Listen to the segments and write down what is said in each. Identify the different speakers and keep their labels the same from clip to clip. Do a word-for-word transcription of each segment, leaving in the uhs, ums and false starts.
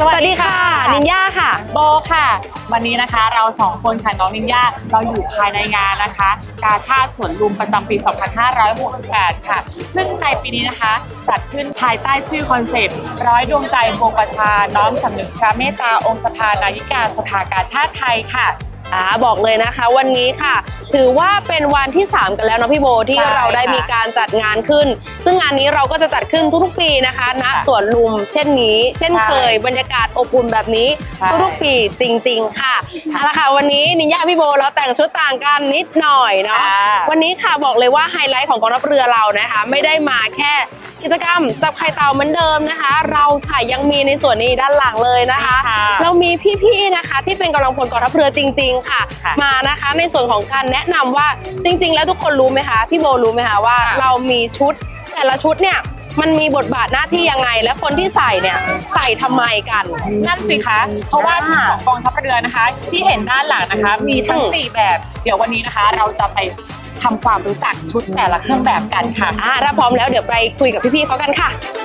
Speaker 1: สวัสดีค่ะนินย่าค่ะ
Speaker 2: โบค่ะวันนี้นะคะเราสองคนค่ะน้องนินย่าเราอยู่ภายในงานนะคะกาชาดสวนลุมประจำปี สองพันห้าร้อยหกสิบแปด ค่ะซึ่งในปีนี้นะคะจัดขึ้นภายใต้ชื่อคอนเซปต์ร้อยดวงใจวงประชาน้อมสำนึกพระเมตตาองค์สภานายิกาสภากาชาดไทยค่ะ
Speaker 1: อ่าบอกเลยนะคะวันนี้ค่ะถือว่าเป็นวันที่สามกันแล้วเนาะพี่โบที่เราได้มีการจัดงานขึ้นซึ่งงานนี้เราก็จะจัดขึ้นทุกๆปีนะคะณสวนลุมเช่นนี้เช่นเคยบรรยากาศอบอุ่นแบบนี้ทุกๆปีจริงๆค่ะเอาละค่ะวันนี้นินย่าพี่โบเราแต่งชุดต่างกันนิดหน่อยเนาะวันนี้ค่ะบอกเลยว่าไฮไลท์ของกองทัพเรือเรานะคะไม่ได้มาแค่กิจกรรมจับไข่เต่าเหมือนเดิมนะคะเราค่ะยังมีในส่วนนี้ด้านหลังเลยนะคะเรามีพี่ๆนะคะที่เป็นกำลังพลกองทัพเรือจริงๆค่ะมานะคะในส่วนของการแนะนำว่าจริงๆแล้วทุกคนรู้ไหมคะพี่โบรู้ไหมคะว่าเรามีชุดแต่ละชุดเนี่ยมันมีบทบาทหน้าที่ยังไงและคนที่ใส่เนี่ยใส่ทำไมกัน
Speaker 2: นั่นสิคะเพราะว่าชุดของกองทัพเรือนะคะที่เห็นด้านหลังนะคะมีทั้งสี่แบบเดี๋ยววันนี้นะคะเราจะไปทำความรู้จักชุดแต่ละเครื่องแบบกันค่ะ
Speaker 1: อ่าถ้าพร้อมแล้วเดี๋ยวไปคุยกับพี่ๆเขากันค่ะ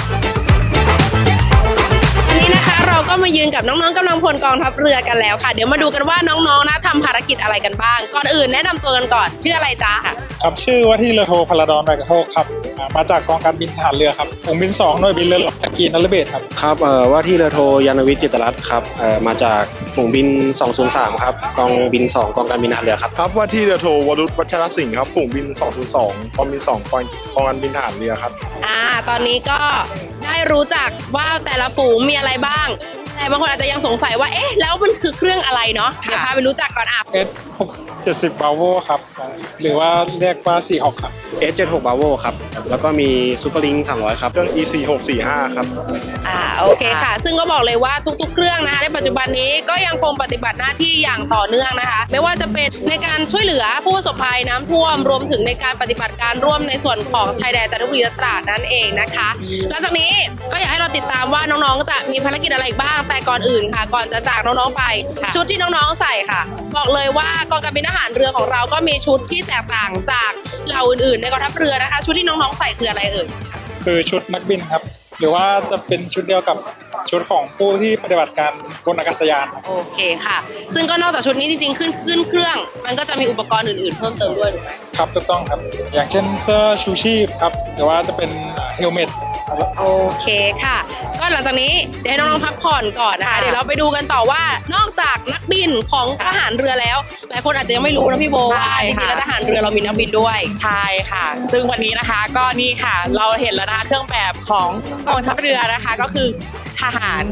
Speaker 1: วันนี้นะคะเราก็มายืนกับน้องๆกำลังพลกองทัพเรือกันแล้วค่ะเดี๋ยวมาดูกันว่าน้องๆนะทำภารกิจอะไรกันบ้างก่อนอื่นแนะนำตัวกันก่อนชื่ออะไรจ๊ะ
Speaker 3: ครับชื่อว่าที่เรือโทพลดอนใบกระโทกครับมาจากกองการบินทหารเรือครับฝูงบินสองหน่วยบินเรือหลวงตะกีนรเบศครับ
Speaker 4: ครับเอ่อว่าที่เรือโทยานวิทย์จิตรรัตน์ครับเอ่อมาจากฝูงบินสองศูนย์สามครับกองบินสองกองการบินทหารเรือครับ
Speaker 5: ครับว่าที่เรือโทวรุษวัชรสิงห์ครับฝูงบินสองศูนย์สองกองบินสองกองกองการบินทหารเรือครับ
Speaker 1: อ่าตอนนี้ก็ได้รู้จักว่าแต่ละฝูงมีอะไรบ้างแต่บางคนอาจจะยังสงสัยว่าเอ๊ะแล้วมันคือเครื่องอะไรเนาะเดี๋ยวพาไปรู้จักก่อนอ่ะ
Speaker 3: เอส หกเจ็ดสิบ Bravo ครับหรือว่าเรียกว่าสี่หกครับ
Speaker 4: เอส เจ็ดสิบหก Bravo ครับแล้วก็มีซูเปอร์ลิงสามร้อยครับ
Speaker 5: เครื่อง อี สี่หกสี่ห้า ครับ
Speaker 1: อ่าโอเคค่ะซึ่งก็บอกเลยว่าทุกๆเครื่องนะคะในปัจจุบันนี้ก็ยังคงปฏิบัติหน้าที่อย่างต่อเนื่องนะคะไม่ว่าจะเป็นในการช่วยเหลือผู้ประสบภัยน้ำท่วมรวมถึงในการปฏิบัติการร่วมในส่วนของชายแดนจันทบุรีและตราดนั่นเองนะคะหลังจากนี้ก็อยากให้เราติดตามว่าน้องๆจะมีภารกิจอะไรบ้างแต่ก่อนอื่นค่ะก่อนจะจากน้องๆไปชุดที่น้องๆใส่ค่ะบอกเลยว่ากองการบินทหารเรือของเราก็มีชุดที่แตกต่างจากเหล่าอื่นๆในกองทัพเรือนะคะชุดที่น้องๆใส่คืออะไรเอ่ย
Speaker 3: คือชุดนักบินครับหรือว่าจะเป็นชุดเดียวกับชุดของผู้ที่ปฏิบัติการบนอากาศยานครับ
Speaker 1: โอเคค่ะซึ่งก็นอกจากชุดนี้จริงๆขึ้นขึ้นเครื่องมันก็จะมีอุปกรณ์อื่นๆเพิ่มเติมด้วยถูกไหม
Speaker 3: ครับถูกต้องครับอย่างเช่นเสื้อชูชีพครับหรือว่าจะเป็นเฮลเมต
Speaker 1: โอเคค่ะก็หลังจากนี้เดี๋ยวให้น้องๆพักผ่อนก่อนนะคะเดี๋ยวเราไปดูกันต่อว่านอกจากนักบินของทหารเรือแล้วหลายคนอาจจะยังไม่รู้นะพี่โบว่าจริงๆแล้วทหารเรือเรามีนักบินด้วย
Speaker 2: ใช่ค่ะซึ่งวันนี้นะคะก็นี่ค่ะเราเห็นแล้วนะคะเครื่องแบบของกองทัพเรือนะคะก็คือทหาร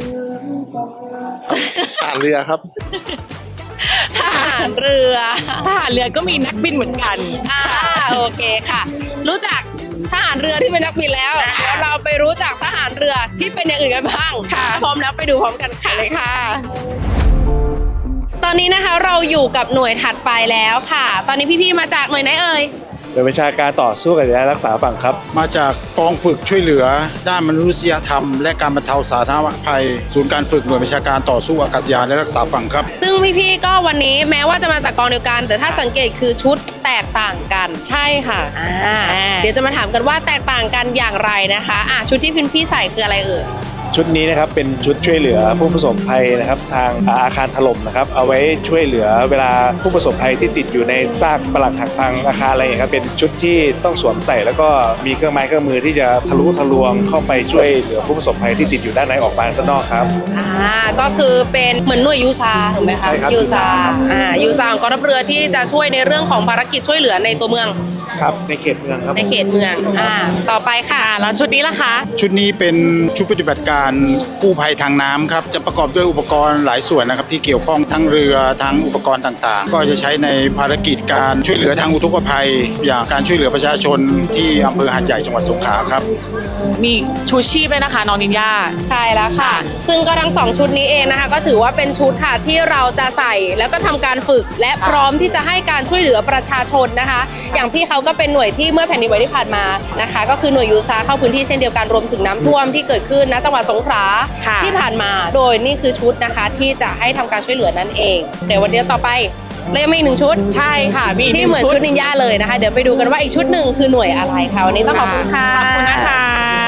Speaker 5: ทหารเรือครับ
Speaker 1: ทหารเรือ
Speaker 2: ทหารเรือก็มีนักบินเหมือนกัน
Speaker 1: อ่าโอเคค่ะรู้จักทหารเรือที่เป็นนักบินแล้วเดี๋ยวเราไปรู้จักทหารเรือที่เป็นอย่างอื่นกันบ้างค่ะพร้อมแล้วไปดูพร้อมกันค่ะเลยค่ะตอนนี้นะคะเราอยู่กับหน่วยถัดไปแล้วค่ะตอนนี้พี่ๆมาจากหน่วยไหนเอ่ย
Speaker 6: หน่วยบัญชาการต่อสู้กับและรักษาฝั่งครับ
Speaker 7: มาจากกองฝึกช่วยเหลือด้านมนุษยธรรมและการบรรเทาสาธารณภัยศูนย์การฝึกหน่วยบัญชาการต่อสู้อากาศยานและรักษาฝั่งครับ
Speaker 1: ซึ่งพี่ๆก็วันนี้แม้ว่าจะมาจากกองเดียวกันแต่ถ้าสังเกตคือชุดแตกต่างกัน
Speaker 2: ใช่ค่ะ
Speaker 1: อ่าเดี๋ยวจะมาถามกันว่าแตกต่างกันอย่างไรนะคะอ่ะชุดที่พี่ๆใส่คืออะไรเอ่ย
Speaker 6: ชุดนี้นะครับเป็นชุดช่วยเหลือผู้ประสบภัยนะครับทางอาคารถล่มนะครับเอาไว้ช่วยเหลือเวลาผู้ประสบภัยที่ติดอยู่ในซากปรักหักพังอาคารอะไรอย่างครับเป็นชุดที่ต้องสวมใส่แล้วก็มีเครื่องไม้เครื่องมือที่จะทะลุทะลวงเข้าไปช่วยเหลือผู้ประสบภัยที่ติดอยู่ด้านในออกมาด้านนอกครับ
Speaker 1: อ่าก็คือเป็นเหมือนหน่วยยูซาถูกไหมคะยูซาอ่ายูซาของกองทัพเรือที่จะช่วยในเรื่องของภารกิจช่วยเหลือในตัวเมือง
Speaker 6: ครับในเขตเมืองครับ
Speaker 1: ในเขตเมืองอ่าต่อไปค่ะ
Speaker 2: แล้วชุดนี้ล่ะคะ
Speaker 7: ชุดนี้เป็นชุดปฏิบัติการกู้ภัยทางน้ำครับจะประกอบด้วยอุปกรณ์หลายส่วนนะครับที่เกี่ยวข้องทั้งเรือทั้งอุปกรณ์ต่างๆก็จะใช้ในภารกิจการช่วยเหลือทางอุทกภัยอย่างการช่วยเหลือประชาชนที่อำเภอหาดใหญ่จังหวัดสงขลาครับ
Speaker 2: มีชูชีพด้วยนะคะน้องนินย่า
Speaker 1: ใช่แล้วค่ะซึ่งก็ทั้งสองชุดนี้เองนะคะก็ถือว่าเป็นชุดค่ะที่เราจะใส่แล้วก็ทำการฝึกและพร้อมที่จะให้การช่วยเหลือประชาชนนะคะอย่างพี่เขาก็เป็นหน่วยที่เมื่อแผ่นดินไหวที่ผ่านมานะคะก็คือหน่วยยูซาเข้าพื้นที่เช่นเดียวกันรวมถึงน้ำท่วมที่เกิดขึ้นณจังหวัดสงขลาที่ผ่านมาโดยนี่คือชุดนะคะที่จะให้ทำการช่วยเหลือนั่นเองเดี๋ยววันเดียวต่อไปเรายังมีอีกหนึ่งชุด
Speaker 2: ใช่ค่ะ
Speaker 1: ที่เหมือนชุดนินจาเลยนะคะเดี๋ยวไปดูกันว่าอีกชุดหนึ่งคือหน่วยอะไรค่ะวันนี้ต้องขอบคุณค่ะ
Speaker 2: ขอบคุณนะคะขอบ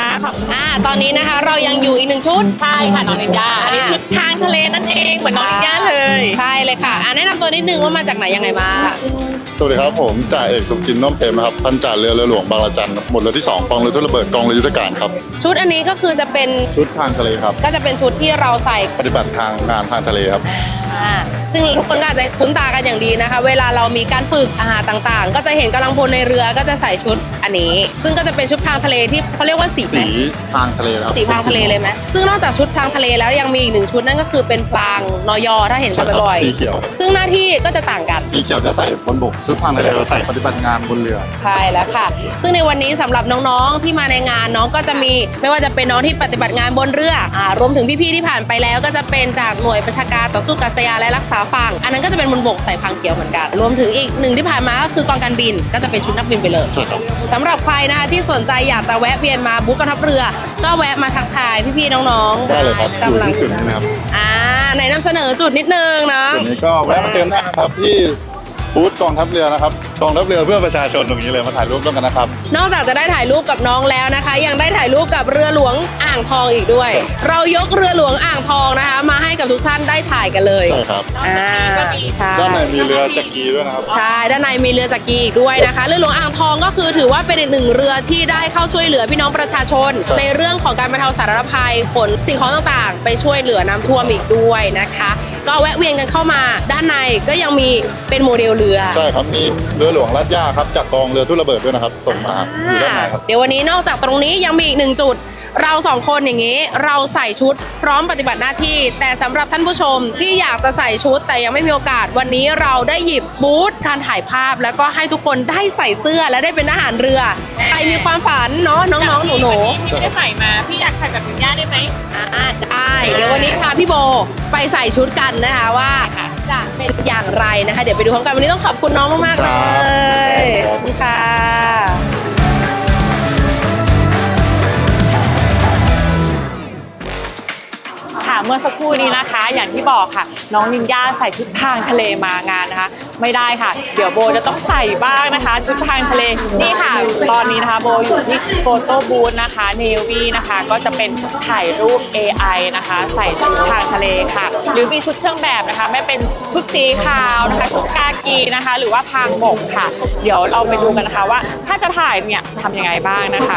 Speaker 1: อ่าตอนนี้นะคะเรายังอยู่อีกหนึ่งชุด
Speaker 2: ใช่ค่ะน้องนินยาอันนี้ชุดทางทะเลนั่นเองเหมือนน้องนินยาเลย
Speaker 1: ใช่เลยค่ะอ่าแนะนำตัวนิดนึงว่ามาจากไหนยังไงมา
Speaker 5: สวัสดีครับผมจ่าเอกสุกินน้อมเปรมนะครับพันจ่าเรือเรือหลวงบางระจันครับหมวดเรือที่สองกองเรือทุนระเบิดกองเรือยุทธการครับ
Speaker 1: ชุดอันนี้ก็คือจะเป็น
Speaker 5: ชุดทางทะเลครับ
Speaker 1: ก็จะเป็นชุดที่เราใส่
Speaker 5: ปฏิบัติทางงานทางทะเลครับ
Speaker 1: อ่าซึ่งทุกคนก็อาจจะคุ้นตากันอย่างดีนะคะ เวลาเรามีการฝึกอาหารต่างๆ ก็จะเห็นกำลังพลในเรือก็จะใส่ชุดอันนี้ ซึ่งก็จะเป็นชุดพรางทะเลที่เขาเรียกว่าสี
Speaker 5: สีทางทะเลครับ
Speaker 1: สีพรางทะเลเลยไหมซึ่งนอกจากชุดพรางทะเลแล้วยังมีอีกหนึ่งชุดนั่นก็คือเป็นพรางนยถ้าเห็นกันบ่อย
Speaker 5: สีเขียว
Speaker 1: ๆซึ่งหน้าที่ก็จะต่างกัน
Speaker 5: สีเขียวจะใส่บนบกชุดทางทะเลเราใส่ปฏิบัติงานบนเรือ
Speaker 1: ใช่แล้วค่ะ ซึ่งในวันนี้สำหรับน้องๆที่มาในงานน้องก็จะมีไม่ว่าจะเป็นน้องที่ปฏิบัติงานบนเรืออ่ารวมถึงพี่ๆที่ผ่านไปแล้วก็จะเป็นจากหน่วยประชาการต่อสู้กัษยานและรักษาฝั่งอันนั้นก็จะเป็นบนบกใส่พรางเขียวเหมือนกัน รวมถึงอีกหนึ่งที่ผ่านมาก็คือกองการบินก็จะเป็นชุดนักบินไปเลย
Speaker 5: ใช่ครับ
Speaker 1: สำหรับใครนะคะที่สนใจอยากจะแวะเวียนมาบูธกองทัพเรือ ก็แวะมาทักทายพี่ๆน้องๆ
Speaker 5: ได้เลยครับอยู่
Speaker 1: กำลัง
Speaker 5: ที่จุดนี้นะครับ
Speaker 1: อ่าไหนนำเสนอจุดนิดนึงเนาะ
Speaker 5: จุดนี้ก็แวะมาเติมได้นะครับที่บูธกองทัพเรือนะครับกองทัพเรือเพื่อประชาชนตรงนี้เลยมาถ่ายรูปร่วมกันนะครับ
Speaker 1: นอกจากจะได้ถ่ายรูปกับน้องแล้วนะคะ ยังได้ถ่ายรูปกับเรือหลวงอ่างทองอีกด้วย เรายกเรือหลวงอ่างทองนะคะ มาให้กับทุกท่านได้ถ่ายกันเลย
Speaker 5: ใช่ครับ
Speaker 1: อ่าใช่
Speaker 5: ด้านในมีเรือจักรีด้วยนะครับ
Speaker 1: ใช่ด้านในมีเรือจักรีอีกด้วยนะคะเรือหลวงอ่างทองก็คือถือว่าเป็นอีกหนึ่งเรือที่ได้เข้าช่วยเหลือพี่น้องประชาชน
Speaker 5: ครับ
Speaker 1: ในเรื่องของการบรรเทาสาธารณภัยขนสิ่งของต่างๆ ไปช่วยเหลือน้ำท่วมอีกด้วยนะคะ ก็แวะเวียนกันเข้ามาด้านในก็ยังมีเป็นโมเดลเรือ
Speaker 5: ใช่ครับมีเรือหลวงลาดย่าครับจากกองเรือทุนระเบิดด้วยนะครับ ส่งมาอยู่ด้านในครับ
Speaker 1: เดี๋ยววันนี้นอกจากตรงนี้ยังมีอีกหนึ่งจุด เราสองคนอย่างนี้เราใส่ชุดพร้อมปฏิบัติหน้าที่ แต่สำหรับท่านผู้ชมที่อยากจะใส่ชุดแต่ยังไม่มีโอกาสวันนี้เราได้หยิบบูธการถ่ายภาพ แล้วก็ให้ทุกคนได้ใส่เสื้อและได้เป็นทหารเรือใครมีความฝันเนาะน้องๆหนู
Speaker 2: พี่ไม่ได้ใส่มาพี่อยากใส่แบบนินยาได้ไหม
Speaker 1: ๆอ่าได้เดี๋ยววันนี้พาพี่โบไปใส่ชุดกันนะคะว่าจะเป็นอย่างไรนะคะ เดี๋ยวไปดูพร้อมกันวันนี้ต้องขอบคุณน้องมากๆเลยขอบคุณค่ะ
Speaker 2: ค่ะเมื่อสักครู่นี้นะคะ อย่างที่บอกค่ะน้องนินยาใส่ชุดทางทะเลมางานนะคะ ไม่ได้ค่ะ เดี๋ยวโบจะต้องใส่บ้างนะคะ ชุดทางทะเลนี่ค่ะ ตอนนี้นะคะโบอยู่ที่โฟโต้บูธนะคะเนวีนะคะก็จะเป็นถ่ายรูป เอ ไอ นะคะ ใส่ชุดทางทะเลค่ะ หรือมีชุดเครื่องแบบนะคะไม่เป็นชุดสีขาวนะคะชุดกากีนะคะ หรือว่าพรางบกค่ะ เดี๋ยวเราไปดูกันนะคะว่าถ้าจะถ่ายเนี่ยทำยังไงบ้างนะคะ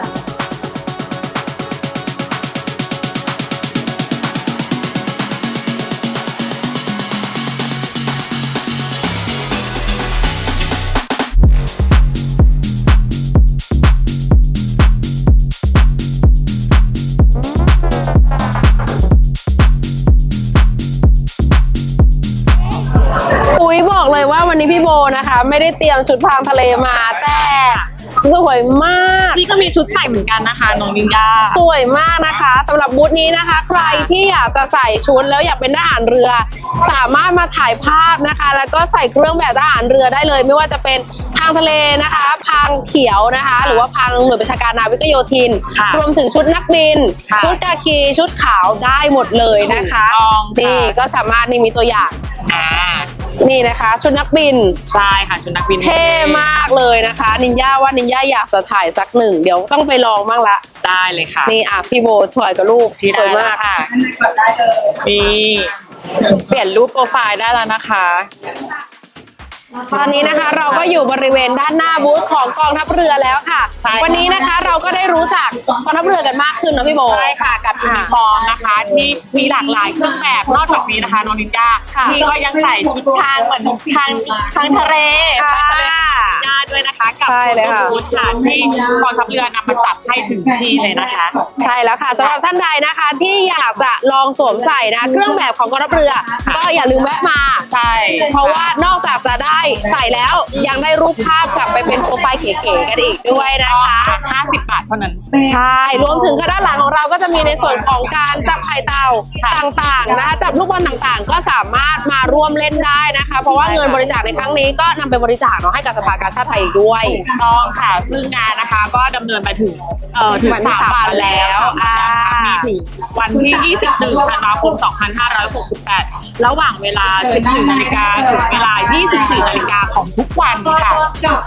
Speaker 1: อุ๊ยบอกเลยว่าวันนี้พี่โบนะคะ ไม่ได้เตรียมชุดพรางทะเลมาแต่สวยมาก
Speaker 2: พี่ก็มีชุดใส่เหมือนกันนะคะน้องนินยา
Speaker 1: สวยมากนะคะสำหรับบูธนี้นะคะ ใครที่อยากจะใส่ชุดแล้วอยากเป็นทหารเรือ สามารถมาถ่ายภาพนะคะ แล้วก็ใส่เครื่องแบบทหารเรือได้เลย ไม่ว่าจะเป็นพรางทะเลนะคะพรางเขียวนะคะ หรือว่าพรางหน่วยประชาการนาวิกโยธิน
Speaker 2: ค่ะ
Speaker 1: รวมถึงชุดนักบิน
Speaker 2: ค่ะ
Speaker 1: ชุดกากีชุดขาวได้หมดเลยนะคะ
Speaker 2: ถูกต้องค่ะ
Speaker 1: นี่ก็สามารถนี่มีตัวอย่าง
Speaker 2: อ่า
Speaker 1: นี่นะคะ ชุดนักบิน
Speaker 2: ใช่ค่ะชุดนักบิน
Speaker 1: เท่มากเลยนะคะนินย่าว่านินย่าอยากจะถ่ายสักหนึ่งเดี๋ยวต้องไปลองบ้างละ
Speaker 2: ได้เลยค่ะ
Speaker 1: นี่อ่ะพี่โบถอยกับลูก
Speaker 2: ที่
Speaker 1: ส
Speaker 2: ได้
Speaker 1: วย
Speaker 2: แล้
Speaker 1: มาว ก
Speaker 2: ค่ะนี่เปลี่ยนรูปโปรไฟล์ได้แล้วนะคะ
Speaker 1: ตอนนี้นะคะเราก็อยู่บริเวณด้านหน้าบูธของกองทัพเรือแล้วค่ะ
Speaker 2: ใช่ค่ะ
Speaker 1: วันนี้นะคะเราก็ได้รู้จักกองทัพเรือกันมากขึ้นเนอะพี่โบ
Speaker 2: ใช่ค่ะกับยูนิฟอร์มนะคะ ที่มีหลากหลายเครื่องแบบนอกจากนี้นะคะน้องนินจา
Speaker 1: ค่ะ
Speaker 2: ที่ก็ยังใส่ชุดทางเหมือนทางทางทะเล
Speaker 1: ค่ะ
Speaker 2: ทางทะเลญาด้วยนะคะกับ
Speaker 1: ใช่เลยค่ะ
Speaker 2: บูธค่ะที่กองทัพเรือนำมาจัดให้ถึงที่เลยนะคะ
Speaker 1: ใช่แล้วค่ะสำหรับท่านใดนะคะ ที่อยากจะลองสวมใส่นะเครื่องแบบของกองทัพเรือ ก็อย่าลืมแวะมา
Speaker 2: ใช่
Speaker 1: เพราะว่านอกจากจะได้ใส่แล้วยังได้รูปภาพกลับไปเป็นโปรไฟล์เก๋ๆกันอีกด้วยนะคะ
Speaker 2: ห้าสิบบาทเท่านั้น
Speaker 1: ใช่ รวมถึงด้านหลังของเราก็จะมีในส่วนของการจับไข่เต่า
Speaker 2: ค่ะ
Speaker 1: ต่างๆนะคะจับลูกบอลต่างๆ ก็สามารถมาร่วมเล่นได้นะคะ เพราะว่า
Speaker 2: ใช่ค่ะ
Speaker 1: เงินบริจาคในครั้งนี้ก็นำไปบริจาคเนาะให้กับสภากาชาดไทยอีกด้วย
Speaker 2: ถูกต้องค่ะซึ่งงานนะคะก็ดำเนินไปถึงเอ่อถึง
Speaker 1: วันที่
Speaker 2: สาม
Speaker 1: สาม
Speaker 2: วันแล้ว
Speaker 1: อ่า
Speaker 2: มีถึงวันที่ยี่สิบเอ็ดธันวาคมสองพันห้าร้อยหกสิบแปดระหว่างเวลา สิบสี่นาฬิกาถึงเวลา ยี่สิบสี่นาฬิกาของทุกวันค่ะ
Speaker 1: อ่า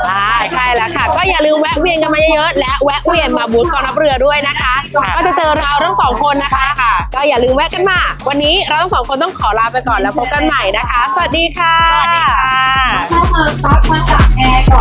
Speaker 1: ใช่แล้วค่ะก็อย่าลืมแวะเวียนกันมาเยอะๆและแวะเวียนมาบูธกองทัพเรือด้วยนะคะก็จะเจอเราทั้งสองคนนะคะก็อย่าลืมแวะกันมาวันนี้เราทั้งสองคนต้องขอลาไปก่อนแล้วพบกันใหม่นะคะสวัสดีค่ะ
Speaker 2: สวัสดีค่ะ
Speaker 8: เข้ามาซักมาจากแอร์ก่อน